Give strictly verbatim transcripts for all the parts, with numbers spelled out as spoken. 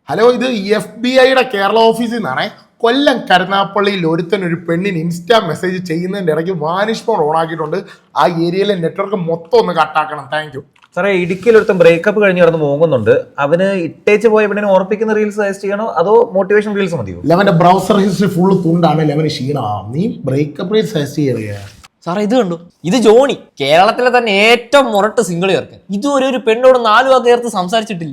Hello, ഇത് F B ഐയുടെ കേരള ഓഫീസിൽ നിന്നാണേ. കൊല്ലം കരുനാപ്പള്ളിയിൽ ഒരുത്തൻ ഒരു പെണ്ണിന് ഇൻസ്റ്റാ മെസ്സേജ് ചെയ്യുന്നതിൻ്റെ ഇടയ്ക്ക് വാനിഷ് ഫോൺ ഓൺ ആക്കിയിട്ടുണ്ട്. ആ ഏരിയയിലെ നെറ്റ്വർക്ക് മൊത്തം ഒന്ന് കട്ടാക്കണം. താങ്ക് യു സാറേ. ഇടുക്കിയിൽ ഒരുത്തൻ ബ്രേക്കപ്പ് കഴിഞ്ഞ് കിടന്ന് പോകുന്നുണ്ട്. അവന് ഇട്ടേച്ച് പോയ പെണ്ണിനെ ഓർപ്പിക്കുന്ന റീൽസ് സജസ്റ്റ് ചെയ്യണോ അതോ മോട്ടിവേഷൻ റീൽസ് മതിയോ? ലെവന്റെ ബ്രൗസർ ഹിസ്റ്ററി ഫുള്ള് തുണ്ടാണ്. ലെവന് ക്ഷീണ. നീ ബ്രേക്കപ്പ് റീൽസ് സജസ്റ്റ് ചെയ്യണേ സാറേ. ഇത് കണ്ടു, ഇത് ജോണി, കേരളത്തിലെ തന്നെ ഏറ്റവും മുരട്ട് സിംഗിൾ ചേർക്കൻ. ഇതുവരെ ഒരു പെണ്ണോട് നാലു വാക്ക് ചേർത്ത് സംസാരിച്ചിട്ടില്ല.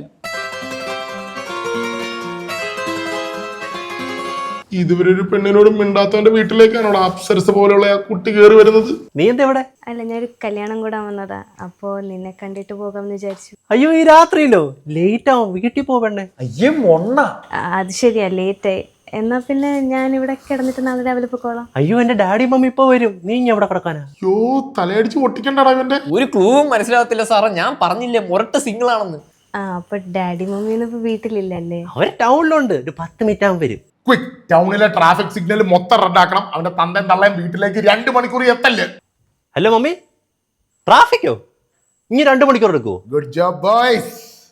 ഇതുവരെ ഒരു പെണ്ണിനോട് മിണ്ടാത്തവന്റെ വീട്ടിലേക്കാണോ അപ്സരസ് പോലെയുള്ള ആ കുട്ടി കയറി വരുന്നത്? നീ എന്താ ഇവിടെ? അല്ല, ഞാനൊരു കല്യാണം കൂടാൻ വന്നതാ. അപ്പോ നിന്നെ കണ്ടിട്ട് പോകാമെന്ന് വിചാരിച്ചു. അയ്യോ, ഈ രാത്രിയിലോ? ലേറ്റ് ആവും, വീട്ടിൽ പോവണ്ടേ? അയ്യേ മൊണ്ണ. അത് ശരിയാ, ലേറ്റ് ആയി. എന്നാ പിന്നെ ഞാൻ ഇവിടെ കിടന്നിട്ട് നാളെ രാവിലെ പോയിക്കോളാം. അയ്യോ, എന്റെ ഡാഡി മമ്മി ഇപ്പൊ വരും. നീ ഇനി എവിടെ കിടക്കാനാ? യോ, തലയടിച്ച് പൊട്ടിക്കണ്ടടാ ഇവന്റെ. ഒരു ക്ലൂവും മനസ്സിലാകത്തില്ല സാറേ. ഞാൻ പറഞ്ഞില്ലേ മുരട്ട് സിംഗിൾ ആണെന്ന്. ആ, അപ്പൊ ഡാഡി മമ്മിയൊന്നും ഇപ്പൊ വീട്ടിലില്ലല്ലേ? അവര് ടൗണിലുണ്ട്. ഒരു പത്ത് മിനിറ്റ് ആകും വരും. ക്വിക്ക്, ടൗണിലെ ട്രാഫിക് സിഗ്നൽ മൊത്തം റദ്ദാക്കണം. അവന്റെ തന്തയും തള്ളയും വീട്ടിലേക്ക് രണ്ട് മണിക്കൂർ എത്തല്ലേ. Hello mummy, ട്രാഫിക്കോ? ഇനി രണ്ടു മണിക്കൂർ എടുക്കുവോ? Good job boys.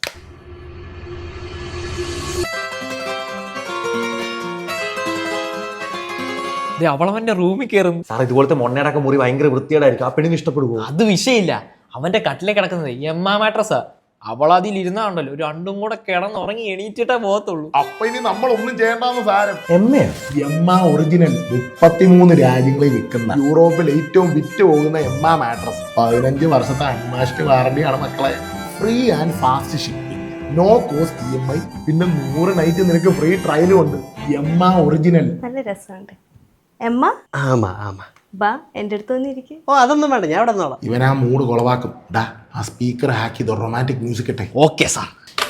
അവളവന്റെ റൂമിൽ കയറും. സാർ, ഇതുപോലത്തെ മൊണ്ണയുടെ മുറി ഭയങ്കര വൃത്തിയേടായിരിക്കും. ആ പെണ്ണിന് ഇഷ്ടപ്പെടുവോ? അത് വിഷയമില്ല. അവന്റെ കട്ടിലേ കിടക്കുന്നത് എമ്മാ മാട്രസാ. അവൾ അതിൽ ഇരുന്നാണ്ടല്ലോ രണ്ടും കൂടെ കിടന്നുറങ്ങി എണീറ്റിട്ടേ പോകത്തുള്ളൂ. അപ്പൊ ഇനി നമ്മൾ ഒന്നും ചെയ്യേണ്ടെന്ന് സാരം. എമ്മ എമ്മ ഒറിജിനൽ മുപ്പത്തിമൂന്ന് രാജ്യങ്ങളിൽ വിൽക്കുന്ന യൂറോപ്പിൽ ഏറ്റവും വിറ്റ് പോകുന്ന എമ്മ മാട്രസ്. പതിനഞ്ച് വർഷത്തെ അൺമാസ്റ്റ് വാറണ്ടിയാണ് മക്കളെ. Free and fast shipping, no cost E M I, പിന്നെ നൂറ് നൈറ്റ് നിനക്ക് ഫ്രീ ട്രയലും ഉണ്ട്. Emma original. നല്ല രസമുണ്ട്. എമ്മ ആമാ ആമാ ബാ, എന്റെ അടുത്ത് വന്നിരിക്കും. ഓ, അതൊന്നും വേണ്ട, ഞാൻ ഇവിടെ നിന്നോളാം. ഇവൻ ആ മൂഡ് കൊളവാക്കും. ഡാ, ആ സ്പീക്കർ ഹാക്ക് ചെയ്തോ, റൊമാൻറ്റിക് മ്യൂസിക് ഇട്ടെ. Okay sir.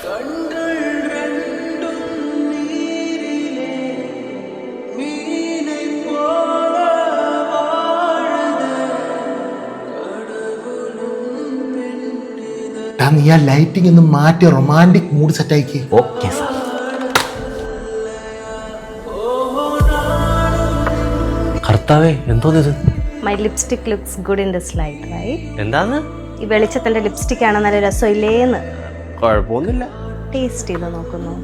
ഡാ, നീ ആ ലൈറ്റിംഗ് ഒന്ന് മാറ്റി റൊമാൻറ്റിക് മൂഡ് സെറ്റ് ആക്കി. Okay sir. കർത്താവേ, എന്തോന്നിത്? My lipstick looks good in this light, right? എന്താന്ന്? ഈ വെളിച്ചത്തിന്റെ ലിപ്സ്റ്റിക് ആണ്, നല്ല രസമില്ലേന്ന്. കുഴപ്പമൊന്നുമില്ല. ടേസ്റ്റ് ചെയ്ത് നോക്കുന്നു.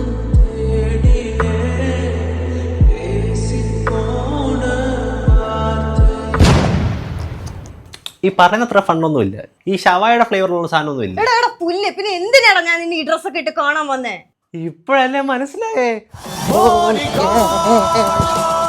ഈ പറയുന്നത്ര ഫണ്ടൊന്നുമില്ല. ഈ ഷവായുടെ ഫ്ലേവറിലുള്ള സാധനമൊന്നും ഇല്ല. എടാ എടാ പുല്ല്, പിന്നെ എന്തിനാടാ ഞാൻ നിന്നെ ഈ ഡ്രസ്സൊക്കെ ഇട്ട് കാണാൻ വന്നേ? ഇപ്പോഴല്ലേ മനസ്സിലായേ?